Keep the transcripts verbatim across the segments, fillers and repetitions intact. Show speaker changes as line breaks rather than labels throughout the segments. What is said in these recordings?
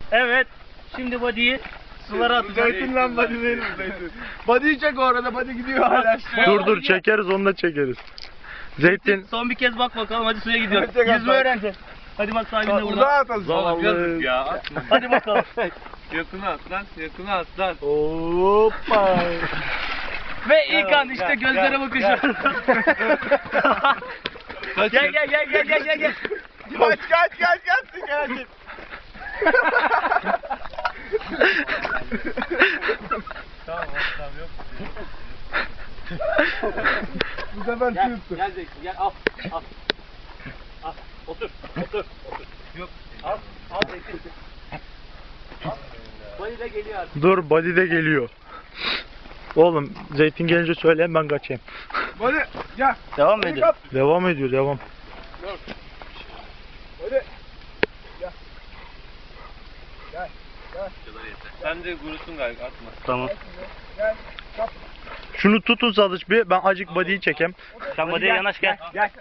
Evet. Şimdi body'yi sulara atacağız.
Zeytin lan body değil mi zeytin? Body'yi çek orada, body gidiyor hala.
Dur dur çekeriz, onu da çekeriz. Zeytin.
Son bir kez bak bakalım, hadi suya gidiyoruz.
Çek
Yüzme
at.
öğreneceğiz. Hadi bak sahibinde
Uzağa
burada.
atalım.
Zavallı.
Ya atma.
Hadi bakalım.
Yakına at lan. Yakına at lan.
Hoppa.
Ve ilk an işte gözlere bakışı. Gel gel gel gel gel gel gel.
Kaç kaç kaç kaç kaç.
Tamam tamam yok.
Bu sefer
Gel,
tuttu.
gel Zeytin gel al al. Al otur otur otur.
Yok.
Al al Zeytin. Al. Body de geliyor artık.
Dur, body de geliyor. Oğlum Zeytin gelince söyleyin, ben kaçayım.
Body gel.
Devam mı
Body
ediyor?
kap.
Devam ediyor, devam.
Body. Gel. Gel. Gel.
Sen de gurusun galiba atma.
Tamam.
Gel. Kap.
Şunu tutun Sadıç bir, ben acık body'yi çekeyim.
Sen body'ye yanaş gel.
Gel.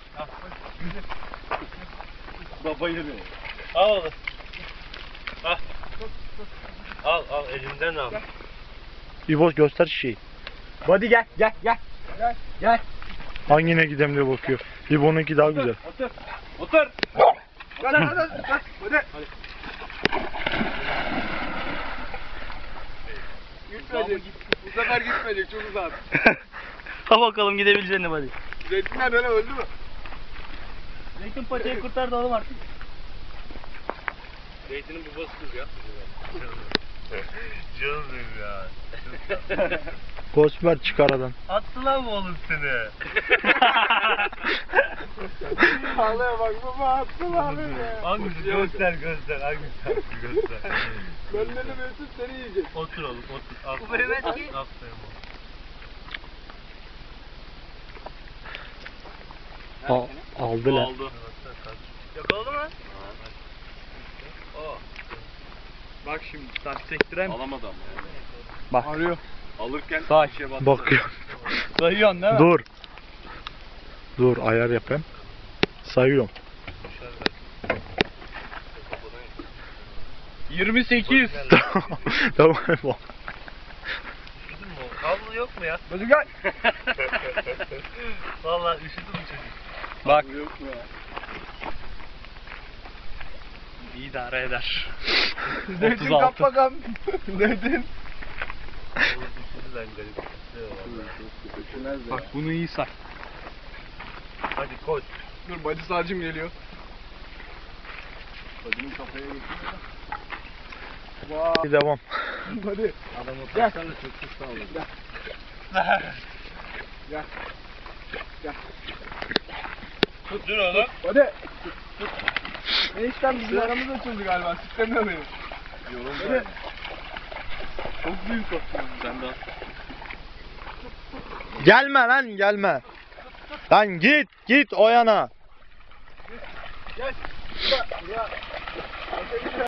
Baba yürü. Al oğlum. Al. Al al elimden al.
İbo göster şişeyi.
Body gel. Gel. Gel. Gel. Gel.
Hangine gidem diye bakıyor. İbo'nunki daha güzel.
Otur. Otur.
Gel. Gel. Gel. Gel. Body. Gitmedi. Bu sefer gitmedi. Çok uzak.
Ha bakalım gidebileceğin mi body?
Zeytinler öyle öldü mü?
Zeytin paçayı kurtardı oğlum artık.
Zeytinin babası kız ya. Canım benim ya.
Kosmer çık aradan.
Attı lan mı oğlum seni?
Ağlaya bak baba attı lan beni.
Hangisi? Göster göster. Hangisi? Göster.
Benden de Mesut seni yiyecek.
Otur oğlum otur. Al.
Bu Mehmet ki-
Aferin oğlum.
Al, aldı lan.
Oldu.
Yakaladı mı?
Bak şimdi taş sektirem. Alamadı ama yani.
Bak.
Arıyor.
Alırken
Say.
bir şeye bastı.
Bakıyor.
Sayıyorsun değil mi?
Dur. Dur, ayar yapayım. Sayıyorum.
yirmi sekiz.
Tamam.
Üşüdün mü? Havlu yok mu ya?
Hadi gel.
Vallahi üşüdüm çocuk.
Bak.
Yok mu ya?
İdare eder.
Zeytin
otuz altı.
kap bakalım. Zeytin.
Üşüdü lan garip.
Bak bunu iyi say.
Hadi koş.
Dur bacı sarcım geliyor. Bacının kafaya geçiyor. Vay.
Devam.
Hadi.
Adamı
Gel.
taşlarla çok çok sağ olun.
Gel. Gel. Gel.
Tut dur oğlum.
Hadi. Enişten bizim aramız açıldı galiba. Siklemiyor beni.
Yorum
Hadi.
böyle.
Çok büyük o.
Sen de al.
Gelme lan, gelme. Lan git, git o yana.
Gel. Ya.